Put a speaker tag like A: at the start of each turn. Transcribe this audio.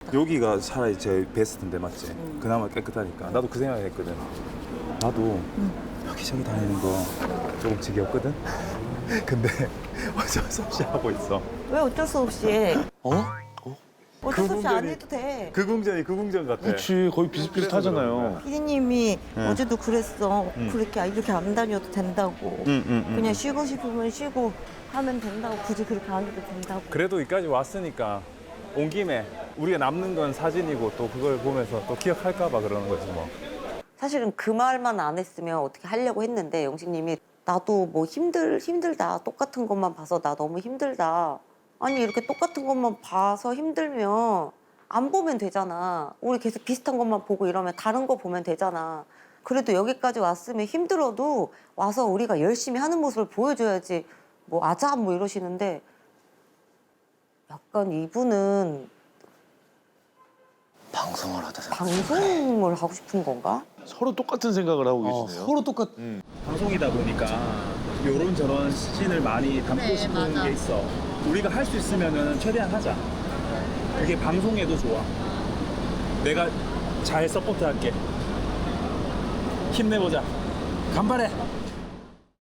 A: 여기가 차라리 제일 베스트인데 맞지? 그나마 깨끗하니까. 나도 그 생각을 했거든. 나도 여기저기 다니는 거 조금 지겹거든? 근데 어쩔 수 없이 하고 있어.
B: 왜 어쩔 수 없이 해?
C: 어?
B: 어쩔 수 없이 안
A: 궁전이-
B: 해도 돼.
A: 그 궁전 같아.
C: 그렇지 거의 비슷비슷하잖아요.
B: 피디님이 어제도 그랬어.
A: 응.
B: 그렇게 이렇게 안 다녀도 된다고. 그냥 쉬고 싶으면 쉬고 하면 된다고. 굳이 그렇게 안 해도 된다고.
A: 그래도 여기까지 왔으니까 온 김에 우리가 남는 건 사진이고 또 그걸 보면서 또 기억할까 봐 그러는 거지 뭐.
B: 사실은 그 말만 안 했으면 어떻게 하려고 했는데 영식님이 나도 뭐 힘들다. 똑같은 것만 봐서 나 너무 힘들다. 아니 이렇게 똑같은 것만 봐서 힘들면 안 보면 되잖아. 우리 계속 비슷한 것만 보고 이러면 다른 거 보면 되잖아. 그래도 여기까지 왔으면 힘들어도 와서 우리가 열심히 하는 모습을 보여줘야지. 뭐 아자 뭐 이러시는데 약간 이분은
D: 방송을 하다 생각.
B: 방송을 하고 싶은 건가?
C: 서로 똑같은 생각을 하고 계시네요.
D: 서로 똑같.
A: 방송이다 보니까 요런 저런 씬을 많이 담고 싶은 게 있어. 우리가 할 수 있으면은 최대한 하자. 그게 방송에도 좋아. 내가 잘 서포트할게. 힘내보자. 간발해.